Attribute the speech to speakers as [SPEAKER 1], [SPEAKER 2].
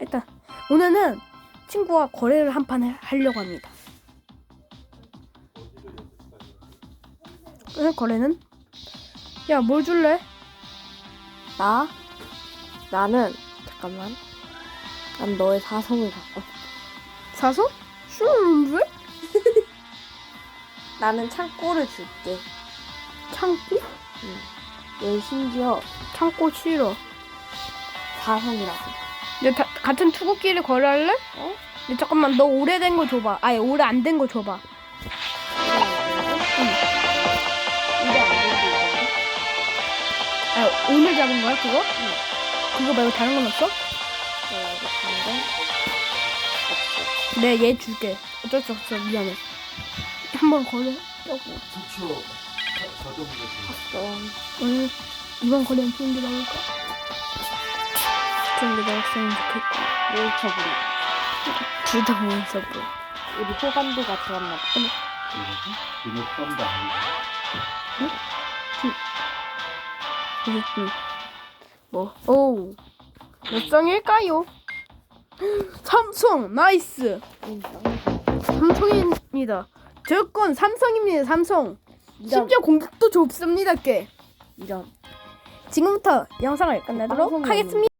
[SPEAKER 1] 일단 오늘은 친구와 거래를 한 판 하려고 합니다. 오늘 거래는 야, 뭘 줄래?
[SPEAKER 2] 나는 잠깐만. 난 너의 사성을 갖고.
[SPEAKER 1] 사서? 슈 왜?
[SPEAKER 2] 나는 창고를 줄게.
[SPEAKER 1] 창고?
[SPEAKER 2] 얘 심지어
[SPEAKER 1] 창고 싫어.
[SPEAKER 2] 사성이라고.
[SPEAKER 1] 야, 같은 투구끼리 거래할래?
[SPEAKER 2] 어?
[SPEAKER 1] 야, 잠깐만, 너 오래된 거 줘봐. 아니, 오래 안 된 거 줘봐.
[SPEAKER 2] 이게 안 되는데.
[SPEAKER 1] 아, 오늘 잡은 거야, 그거?
[SPEAKER 2] 응.
[SPEAKER 1] 그거 말고 다른 건 없어?
[SPEAKER 2] 내가 알겠는데. 없어.
[SPEAKER 1] 네, 얘 줄게. 어쩔 수 없어, 미안해. 한번 거래.
[SPEAKER 3] 부추 자동으로
[SPEAKER 1] 오늘 이번 거래는 좋은 게 나올까? 좋은 게 나왔으면 좋겠고.
[SPEAKER 2] 롤처블이.
[SPEAKER 1] 둘 다 모였어, 뭐.
[SPEAKER 2] 우리 호감도가 좋았나 봐.
[SPEAKER 3] 이거 썸도 아니고
[SPEAKER 1] 뭐, 오. 몇 성일까요? 삼성, 나이스. 삼성입니다. 저건 삼성입니다, 삼성. 심지어 공격도 좁습니다, 꽤.
[SPEAKER 2] 이런.
[SPEAKER 1] 지금부터 영상을 끝내도록
[SPEAKER 2] 방송이
[SPEAKER 1] 하겠습니다.